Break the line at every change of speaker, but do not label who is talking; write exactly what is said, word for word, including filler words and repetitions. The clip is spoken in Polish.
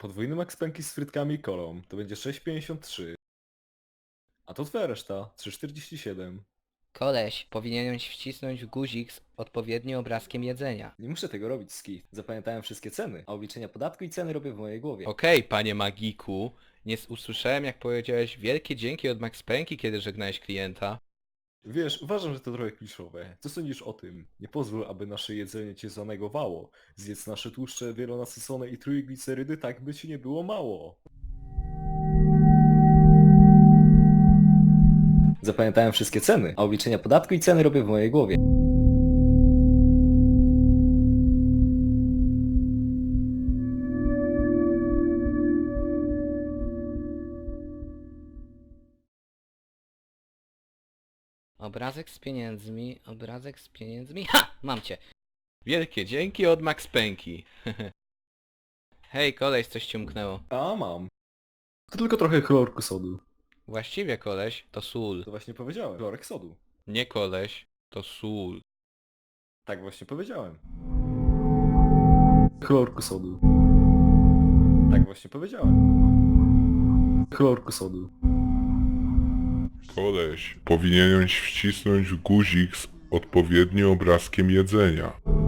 podwójny Max Pęki z frytkami i kolą. To będzie sześć pięćdziesiąt trzy. A to twoja reszta. trzy czterdzieści siedem.
Koleś, powinieneś wcisnąć guzik z odpowiednim obrazkiem jedzenia.
Nie muszę tego robić, Ski. Zapamiętałem wszystkie ceny, a obliczenia podatku i ceny robię w mojej głowie.
Okej, panie magiku. Nie s- usłyszałem jak powiedziałeś wielkie dzięki od Max Pęki, kiedy żegnałeś klienta.
Wiesz, uważam, że to trochę kliszowe. Co sądzisz o tym? Nie pozwól, aby nasze jedzenie cię zanegowało. Zjedz nasze tłuszcze wielonasycone i trójglicerydy, tak by ci nie było mało. Zapamiętałem wszystkie ceny, a obliczenia podatku i ceny robię w mojej głowie.
Obrazek z pieniędzmi, obrazek z pieniędzmi. Ha! Mam cię. Wielkie dzięki od Max Pęki. Hej, koleś, coś ci umknęło.
A mam. To tylko trochę chlorku sodu.
Właściwie, koleś, to sól.
To właśnie powiedziałem. Chlorek sodu.
Nie koleś, to sól.
Tak właśnie powiedziałem. Chlorku sodu. Tak właśnie powiedziałem. Chlorku sodu.
Koleś, powinieneś wcisnąć guzik z odpowiednim obrazkiem jedzenia.